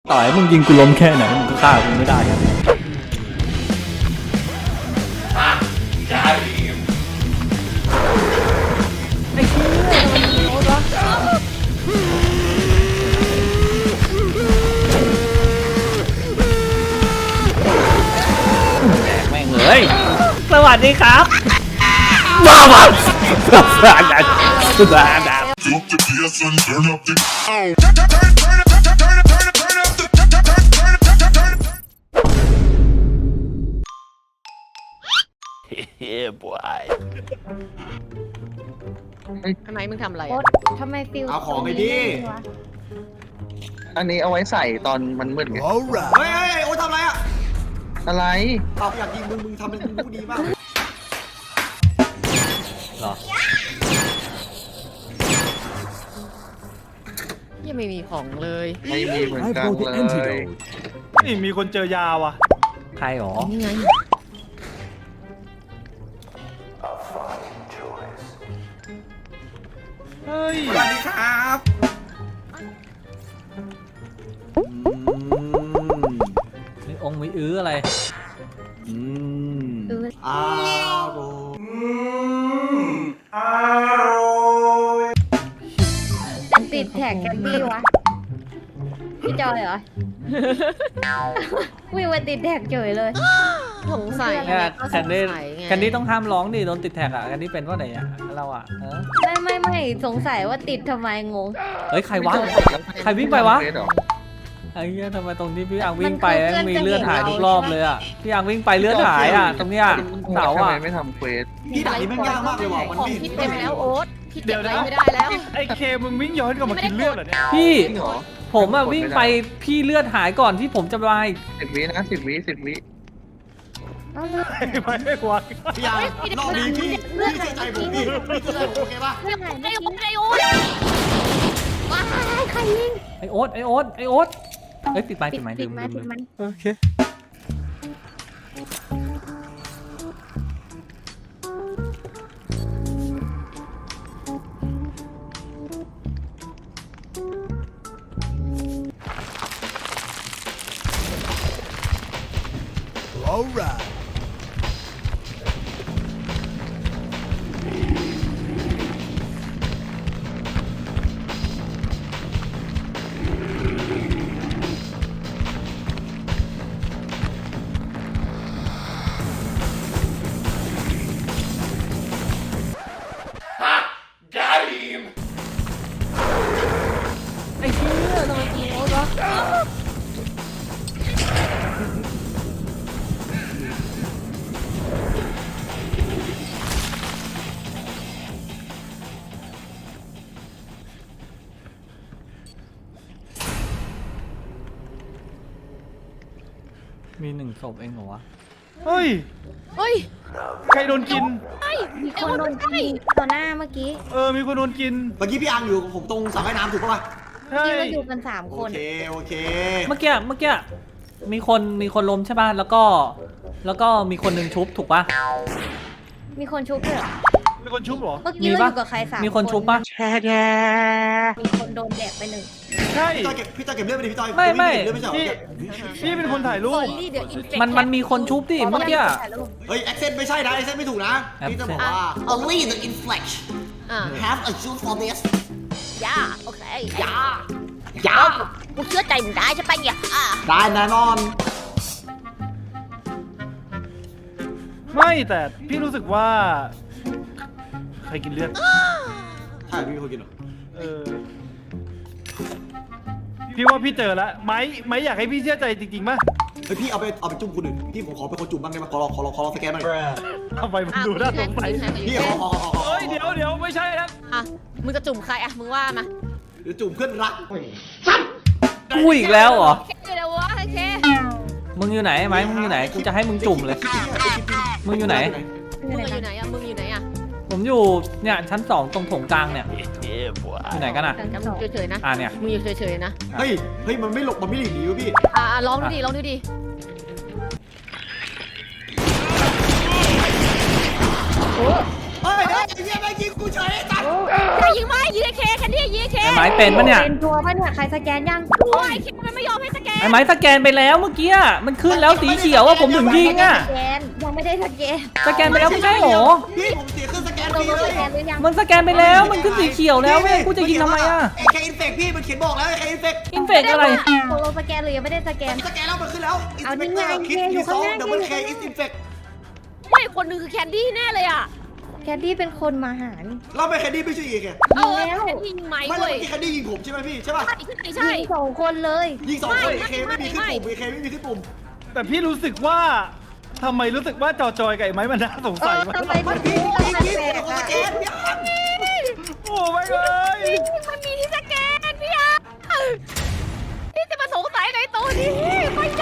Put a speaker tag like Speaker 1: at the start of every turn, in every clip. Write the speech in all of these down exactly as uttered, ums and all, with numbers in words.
Speaker 1: ต่อให้มึงยิงกูล้มแค่ไหนมึงก็ฆ่ากูไม่ได้ครับไอ้เชี่ยมันโอ๊ตวะแตกแม่งเลยสวัสดีครับว้าวว้าวสวัสดีสวัสดี
Speaker 2: Drop the bass and turn up the.
Speaker 3: Yeah, boy.
Speaker 4: ทำไมมึงทำอะไร
Speaker 5: โอ๊
Speaker 4: อ่ะ
Speaker 5: ตทำไมฟิล
Speaker 6: เอาของไปดิ
Speaker 5: วะ
Speaker 7: อันนี้เอาไว้ใส่ตอนมันมืดไง
Speaker 3: Alright.
Speaker 6: เฮ้ยเฮ้ยโอ้ทำอะไรอ่ะ
Speaker 7: อะไร
Speaker 6: เอาอยากยิงมึงมึงทำเป็นมึงรู้ดีมาก
Speaker 1: หรอ
Speaker 4: ยังไม่มีของเลย
Speaker 7: ไม่มีเหมือน
Speaker 3: I've
Speaker 7: กัน
Speaker 3: got the
Speaker 7: เลย
Speaker 3: antidote.
Speaker 8: นี่มีคนเจอยาว่ะ
Speaker 1: ใครหรอ
Speaker 4: นี่ไง
Speaker 8: เฮ้ย
Speaker 6: สวัสดีครับ
Speaker 1: มีองค์มีอื้ออะไร
Speaker 3: อืม
Speaker 5: เออ
Speaker 6: อ้าวโอ้
Speaker 5: มันติดแท็กแคมบี้วะพี่จอยเหรอ วิ่งมาติดแท็กเฉยเลย
Speaker 4: สงสัย
Speaker 1: เนี่ย
Speaker 4: ก็
Speaker 1: แคน
Speaker 4: ส
Speaker 1: ดี้
Speaker 4: งสัยไง
Speaker 1: แคนดี้ต้องห้ามร้องดิโดนติดแท็กอ่ะแคนดี้เป็นว่าไหนอ่ะเราอ่ะเออ
Speaker 5: ไม่ไม่ไม่สงสัยว่าติดทำไมงง
Speaker 1: เฮ้ยใครวะ ใครวิ่งไปวะ
Speaker 7: เฟซเหรอ
Speaker 1: ไอ้เหี้ยทำไมตรงที่พี่อังวิ่งไป
Speaker 5: มันคือ
Speaker 1: มีเลือดหายทุกรอบเลยอ่ะพี่อังวิ่งไปเลือดหายอ่ะตรงเนี้ยเสา
Speaker 7: ทำไม
Speaker 1: อ่ะ
Speaker 7: ไม่ทำเควส
Speaker 6: พี่ด่านี่แม่งยากมากเลยว่ะมัน
Speaker 4: ของ
Speaker 6: ไม่เห็น
Speaker 4: พี่เต็มแล้วโอ๊ตพี่
Speaker 8: เดี๋
Speaker 4: เก็บ
Speaker 8: ยว
Speaker 4: อะไร
Speaker 8: นะ
Speaker 4: ไม่ได้แล้ว
Speaker 8: ไอ้เคมึงวิ่งย้อนกลับมากินเลือดเหรอเนี่ย
Speaker 1: พี่
Speaker 7: จริงเหรอ
Speaker 1: ผมอ่ะวิ่งไปพี่เลือดหายก่อนที่ผมจะไป
Speaker 7: สิบวินะสิบวิสิบวิ
Speaker 5: เอาเลย
Speaker 8: ไม่ไม่ควร
Speaker 6: พี่ยางรอบนี้พี่พี่เชื่อใจผมพี่พี่เชื่อใจผมโอเคป่ะ
Speaker 5: เรื่องอะไร
Speaker 4: ไอ้
Speaker 5: ไม่
Speaker 4: โอ๊
Speaker 5: รู้
Speaker 4: ตไอ้โอ๊ต
Speaker 5: ว้ายใครยิง
Speaker 1: ไอโอ๊ตไอโอ๊ตไอโอ๊ตเฮ้ยปิดไมค์
Speaker 5: ปิ
Speaker 1: ปิ
Speaker 5: ด
Speaker 1: ดไมค์
Speaker 5: ปิ
Speaker 1: ลื
Speaker 5: ด
Speaker 1: ม
Speaker 5: มา
Speaker 1: ลืม
Speaker 5: ปิ
Speaker 1: ลื
Speaker 5: ด
Speaker 1: ม
Speaker 5: มัน
Speaker 1: โอเค
Speaker 3: Alright.
Speaker 2: Got him.
Speaker 1: ไอ้เชี่ยทำไมกูโอ๊ตวะมีหนึ่งศพเองเหรอวะ
Speaker 8: เฮ้ย
Speaker 4: เฮ้ย
Speaker 8: ใครโดนกิน
Speaker 5: มีคนโดนยิงต่อหน้าเมื่อกี้
Speaker 8: เออมีคนโดนกิน
Speaker 6: เมื่อกี้พี่อังอยู่กับผมตรงสระว่ายน้ำถูกป่ะ
Speaker 8: ใช่
Speaker 5: ที่เราอยู่กันสาม
Speaker 6: โอ
Speaker 5: คน
Speaker 6: เคโอเค
Speaker 1: เมื่อกี้เมื่อกี้มีคนมีคนล้มใช่ป่ะแล้วก็ แล้วก็มีคนหนึ่งชุบถูกป่ะ
Speaker 5: มีคนชุบด้วยเหรอ
Speaker 8: มีคนชุบเหรอ
Speaker 5: เมื่อกี้เราอยู่กับใครสาม
Speaker 1: มีคนชุบป่ะ
Speaker 5: มีคนโดนแดกไปหนึ่ง
Speaker 8: ใช่
Speaker 6: พี่จอยเก็บพี่จอยเก็บเลือดไปดิพี่จอย
Speaker 1: ไม่ไม่
Speaker 6: เลือดไม่ใช่เหรอ
Speaker 8: พี่พี่เป็นคนถ่ายรู
Speaker 4: ค
Speaker 8: ป
Speaker 4: นรีเดี๋ยวอินเฟค
Speaker 1: มันมันมีคนชุบดิเมื่อกี้
Speaker 6: เฮ้ยแอคเซนต์ไม่ใช่นะแอคเซนต์ไม่ถูกนะพี่จะบอกว่า only the inflex
Speaker 4: อ่า
Speaker 6: have a juice for this
Speaker 4: ย่าโอเคย่าย่ากูเชื่อใจมึงได้ใช่ปะเนี่ยอ่า
Speaker 6: ได้แน่นอน
Speaker 8: ไม่แต่พี่รู้สึกว่า ใครกินเลือด
Speaker 6: ใช่พี่เป็นคนกินเหรอ
Speaker 8: เออพี่ว่าพี่เจอแล้วไม้ไม้อยากให้พี่เชื่อใจจริงๆป่ะ
Speaker 6: เฮ้ยพี่เอาไปเอาไปจุ่มคนอื่นพี่ผมขอเป็นคนจุ่มบ้างได้ไหมขอลองขอลองขอลองสแกนหน่อย
Speaker 8: ทำไมมันดูน่าสงสัย
Speaker 6: พี่ขอขอขอขอ
Speaker 8: เฮ้ยเดี๋ยวเดี๋ยวไม่ใช่นะ
Speaker 4: อ่ะมึงจะจุ่มใครอ่ะมึงว่ามา
Speaker 6: เดี๋ยวจุ่มเพื่อนรัก
Speaker 1: กูอีกแล้วเหรอ
Speaker 4: โอเคเดี๋ยววะโอเค
Speaker 1: มึงอยู่ไหนไหมมึงอยู่ไหนกูจะให้มึงจุ่มเลย มึงอยู่ไหน
Speaker 4: มึงอยู่ไหนอ่ะมึงอยู่ไหนอ่ะ
Speaker 1: ผมอยู่เนี่ยชั้นสองตรงโถงกลางเนี่ย
Speaker 3: Yeah, boy.
Speaker 1: อยู่ไหนกันอ่ะ
Speaker 4: แต่มึงเฉยๆนะ
Speaker 1: อ่าเนี่ย
Speaker 4: มึงอยู่เฉยๆนะ
Speaker 6: เฮ้ยเฮ้ยมันไม่หลบมันไม่หลีกหนีวะพี่
Speaker 4: อ่าลองดูดิลองดูดิ
Speaker 6: เฮ้ยเฮ้ยไอ้เหี้ยแม่งยิงกูเฉยจัด
Speaker 4: ใครยิงไหมยิงไอ้เคแคนดี้ยิงไอ้เค
Speaker 1: ไอ้ไม้เป็นปะเนี่ย
Speaker 5: เป็นตัวปะเนี่ยใครสแกนยัง
Speaker 4: โอ้ยไอ้เคมันไม่ยอมให้สแกน
Speaker 1: ไอ้ไม้สแกนไปแล้วเมื่อกี้อะมันขึ้นแล้วสีเขียวว่าผมถึงยิงอ่ะ
Speaker 5: สแกนยังไม่ได้สแกน
Speaker 1: สแกนไปแล้วไม่ใช่หรอ
Speaker 6: พี่ผมเสียเครื่องสแกน
Speaker 5: เรา
Speaker 6: ฟรี
Speaker 5: รู้
Speaker 6: เล
Speaker 5: ส
Speaker 6: ย
Speaker 5: แกนหรือยัง
Speaker 1: มันสแกนไปแล้วมันขึ้นสีเขียวแล้วเว้ยกูจะยิงทำไมอ่ะ
Speaker 6: เอเคอินเฟกพี่มันเขียนบอกแล้วเอเคอินเฟก
Speaker 1: อินเฟกอะไร
Speaker 5: ตกลงสแกนหรือยังไม่ได้สแกน
Speaker 6: สแกนแล้วมันขึ้นแล้ว
Speaker 5: เอานี่ไง
Speaker 6: คิด
Speaker 5: เคอยู่
Speaker 6: ยูซอง
Speaker 5: ข้างหน้า
Speaker 6: ดับเบิลเคอินเฟก
Speaker 4: ไม่คนหนึงคือแคนดี้แน่เลยอ่ะ
Speaker 5: แคนดี้เป็นคนมาหานี่
Speaker 6: เราไม่แคนดี้ไม่ใช่อีกไง
Speaker 4: เออแคนดี้ยิงไหม
Speaker 6: ไม่แล้ว
Speaker 4: เว้ย
Speaker 6: เมื่อกี้แคนดี้ยิงผมใช่ไหมพี่ใช่ป่ะ
Speaker 4: ใช่ใช่
Speaker 5: ยิงสองคนเลย
Speaker 6: ยิงสองคน
Speaker 4: ไม่
Speaker 6: เอเคไม่มีขึ้น
Speaker 4: ไม่
Speaker 6: ปุ่มเอเคไม่มีขึ้นปุ่ม
Speaker 8: แต่พี่รู้สึกว่าทำไมรู้สึกว่าจอจอยกับไอ้ไม้มันน่าสง
Speaker 5: เอ
Speaker 8: สัย
Speaker 5: อ
Speaker 8: มาก
Speaker 5: ทำไม
Speaker 6: มัน
Speaker 5: ถึ
Speaker 6: พี่
Speaker 5: ง
Speaker 6: พี่
Speaker 5: แปล
Speaker 6: พี่
Speaker 5: ก
Speaker 6: ผม
Speaker 5: ๆ
Speaker 6: ส
Speaker 5: อะ
Speaker 6: แกนพี่อัน
Speaker 8: โอ้ไม่เลย
Speaker 4: มันมีที่สแกนพี่อาพี่จะมาสงสัยในตัวนี้ไม่ได้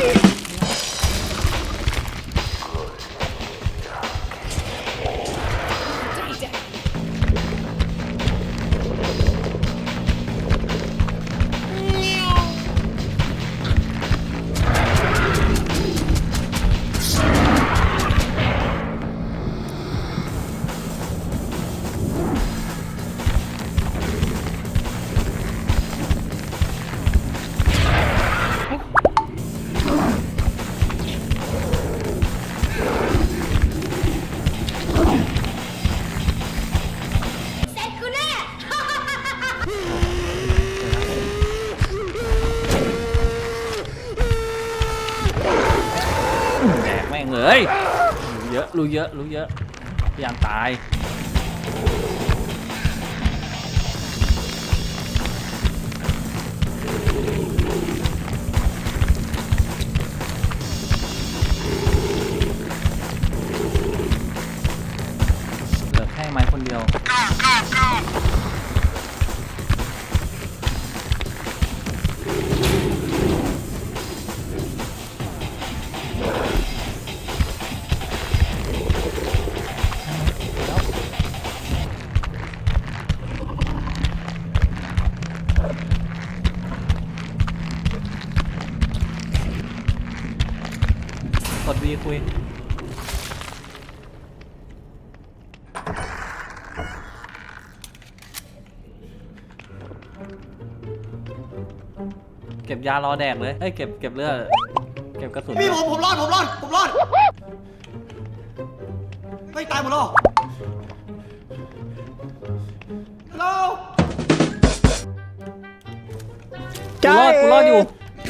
Speaker 1: แดกแม่งเลยรู้เยอะรู้เยอะรู้เยอะพยายามตายเหลือแค่ไม้คนเดียวกดวีคุยเก็บยารอแดกเลยเอ้ยเก็บเก็บเลือดเก็บกระสุน
Speaker 6: พี่ผมผมรอดผมรอดผมรอดไม่ตายหมดหรอฮัลโหล
Speaker 1: กูรอดกูรอดอยู่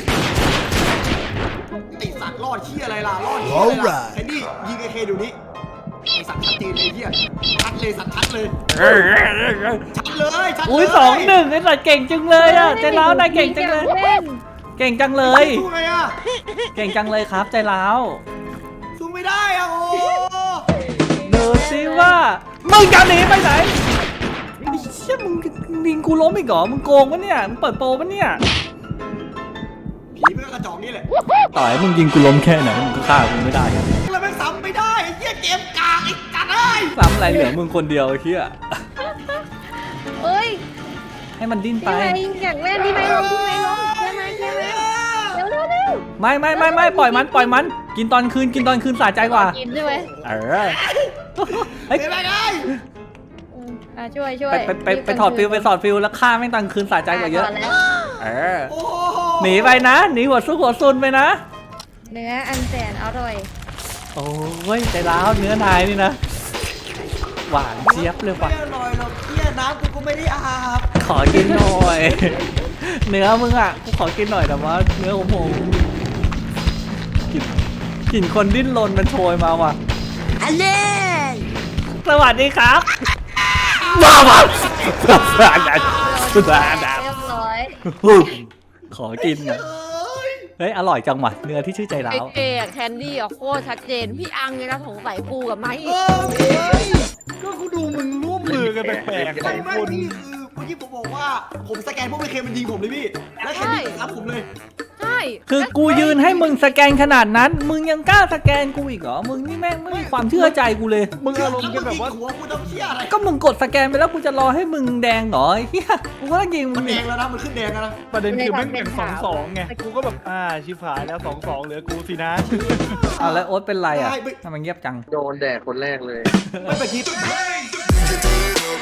Speaker 6: ไอสัตว์รอดเชี่ยอะไรล่ะรอดเชี่ยอะไรล่ะแคนดี้ยิงไอเคเดี๋ยวนี้ไอสัตว์ชัดเจนเลยเฮียชัดเลยสัตว์ชัดเลยชัดเลยชัดเลย
Speaker 1: อุ้ยสองหนึ่งไอ้สัตว์เก่งจังเลยอ่ะใจร้าวนายเก่งจังเลย
Speaker 5: เล่น
Speaker 1: เก่งจังเลย
Speaker 6: สู้ไงอ่ะ
Speaker 1: เก่งจังเลยครับใจร้าว
Speaker 6: สู้ไม่ได้อ่ะโอ้
Speaker 1: ดูสิว่ามึงจะหนีไปไหนไอ้เชี่ยมึงยิงกูล้มอีกเหรอมึงโกงปะเนี่ยมึงเปิดโปรปะเนี่ย
Speaker 6: ผีมันก็กระจอกนี่แหละ
Speaker 1: ต่อให้มึงยิงกูล้มแค่ไหนมึงก็ฆ่ากูไม่ได้อะ
Speaker 6: แล้วแม่งซ้ำไม่ได้ไอ้เหี้ยเกมกากไอ้จัดเอ้ย
Speaker 1: ซ้ำอะไรเหลือมึงคนเดียวไอ้เหี้ย
Speaker 5: เอ้ย
Speaker 1: ให้มันดิ้นไป
Speaker 5: พี่ไม้อยากเล่นพี่ไม้ลงพี่ไม้ลงเชื่อไหมเชื่อไหมเร็วเร็วเร็ว
Speaker 1: ไม่ไม่ไม่ไม่ปล่อยมันปล่อยมัน กินตอนคืนกินตอนคืนสะใจกว่า
Speaker 5: กินใช่ไหม
Speaker 1: เออเฮ้ย
Speaker 6: เป็นไรไง
Speaker 5: อืมอ่ะช่วยช่ว
Speaker 1: ไป
Speaker 5: ย
Speaker 1: ไปไปไปถอดฟิลไปถอดฟิลแล้วฆ่าแม่งตอนคืนสะใจกว่าเยอะ
Speaker 5: ถดแล้ว
Speaker 1: เออ
Speaker 6: โอ้โ
Speaker 1: หนีไปนะหนีหัวซุกหัวซุนไปนะ
Speaker 5: เนื้ออันแสนอร่อย
Speaker 1: โอ้ยใจร้าวเนื้อนายนี่นะ หวานเจี๊ยบเลย
Speaker 6: ไม่
Speaker 1: ว่ะ
Speaker 6: อร่อยหรอกเหี้ยน้ำกูก็ไม่ได้อาบ
Speaker 1: ขอกินหน่อย เนื้อมึงอ่ะกูขอกินหน่อยแต่ว่าเนื้อของผมกลิ่นกลิ่นคนดิ้นรนมันโชยมาว่ะ
Speaker 4: อันเล่
Speaker 1: สวัสดีครับว้าวว้าวสุดาดาสุดาดา
Speaker 5: เรียบร้อย
Speaker 1: ขอกินหน่อยเฮ้ยอร่อยจังว่ะเนื้อที่ชื่อใจ
Speaker 4: ไอ
Speaker 1: ร้าว
Speaker 4: เคกับแคนดี้อ่ะโคตรชัดเจนพี่อังเนี่ยนะสงสัยกูกับไม้
Speaker 6: เออพี่
Speaker 8: ก็กูดูมึงร่วมมือกันแปลกๆส
Speaker 6: ไม่
Speaker 8: อง
Speaker 6: ไม่
Speaker 8: คน
Speaker 6: พี่คือเมื่อกี้ผมบอกว่าผมสแกนพวกไอเคมันยิงผมเลยพี่แล้วแคนดี้ทับผมเลย
Speaker 4: ใช่
Speaker 1: คือกูยืนให้มึงสแกนขนาดนั้น มึงยังกล้าสแกนกูอีกเหรอมึงนี่แม่งไม่มีความเชื่อใจกูเลย
Speaker 8: มึงอารมณ์กันแบบว่า
Speaker 6: หัวกูต้องเชี่ยอะไร
Speaker 1: ก็มึงกดสแกนไปแล้วกูจะรอให้มึงแดงเหรอไอ้เฮียกูก็ต้องยิงมึ
Speaker 6: มัน
Speaker 1: ง
Speaker 6: แด
Speaker 1: อีก
Speaker 6: งแล้วนะมันขึ้นแดงแล้วนะ
Speaker 8: ประเด็นคือแม่งแบ่งสองสองไง กูก็แบบ อ่า ชิบหายแล้วสองสองเหลือกูสินะ
Speaker 1: อ่ะแล้วโอ๊ตเป็นไรอ่ะทำไมเงียบจัง
Speaker 7: โดนแดกคนแรกเลย
Speaker 6: ไม่ไปคิด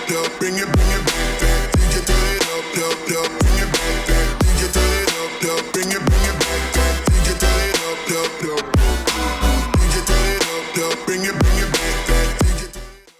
Speaker 2: up, bring it, bring it back, back. D J turn it up, up, up, bring it back, back. D J turn it up, up, bring it.